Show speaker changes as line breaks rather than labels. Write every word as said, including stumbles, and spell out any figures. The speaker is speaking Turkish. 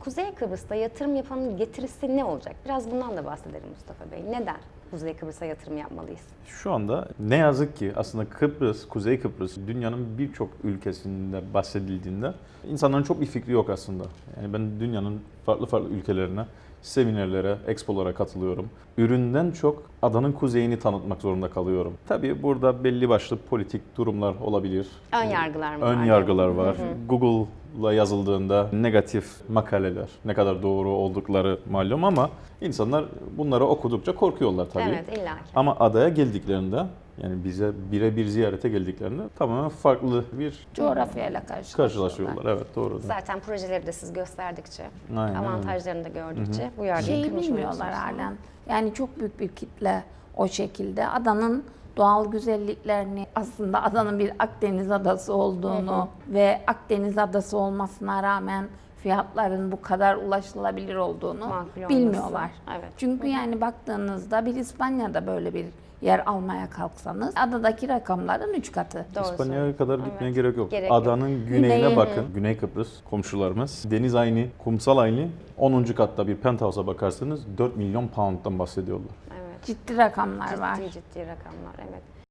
Kuzey Kıbrıs'ta yatırım yapanın getirisi ne olacak? Biraz bundan da bahsedelim Mustafa Bey. Neden Kuzey Kıbrıs'a yatırım yapmalıyız?
Şu anda ne yazık ki aslında Kıbrıs, Kuzey Kıbrıs dünyanın birçok ülkesinde bahsedildiğinde insanların çok bir fikri yok aslında. Yani ben dünyanın farklı farklı ülkelerine, seminerlere, expolara katılıyorum. Üründen çok adanın kuzeyini tanıtmak zorunda kalıyorum. Tabii burada belli başlı politik durumlar olabilir.
Ön yargılar mı
Ön
var?
yargılar var. Hı hı. Google'la yazıldığında negatif makaleler, ne kadar doğru oldukları malum ama insanlar bunları okudukça korkuyorlar tabii.
Evet, illaki.
Ama adaya geldiklerinde, yani bize birebir ziyarete geldiklerinde tamamen farklı bir
Coğrafyayla karşılaşıyorlar.
karşılaşıyorlar. Evet, doğru.
Zaten projeleri de siz gösterdikçe,
Aynen,
avantajlarını da gördükçe
Hı-hı.
bu yargıyı
Şeyi
kırmış
bilmiyorlar
oluyorsunuz.
halen. Yani çok büyük bir kitle o şekilde adanın doğal güzelliklerini, aslında adanın bir Akdeniz adası olduğunu hı hı. ve Akdeniz adası olmasına rağmen fiyatların bu kadar ulaşılabilir olduğunu
Makul
bilmiyorlar.
olması. Evet.
Çünkü
Hı hı.
yani baktığınızda bir İspanya'da böyle bir yer almaya kalksanız adadaki rakamların üç katı.
Doğru
İspanya'ya
söylüyorsun.
kadar
Evet.
gitmeye gerek yok.
Gerek yok.
Adanın güneyine
Güneyi-
bakın. Güney Kıbrıs komşularımız. Deniz aynı, kumsal aynı. onuncu katta bir penthouse'a bakarsanız dört milyon pound'dan bahsediyorlar.
Evet.
Ciddi rakamlar var.
Ciddi ciddi rakamlar, evet.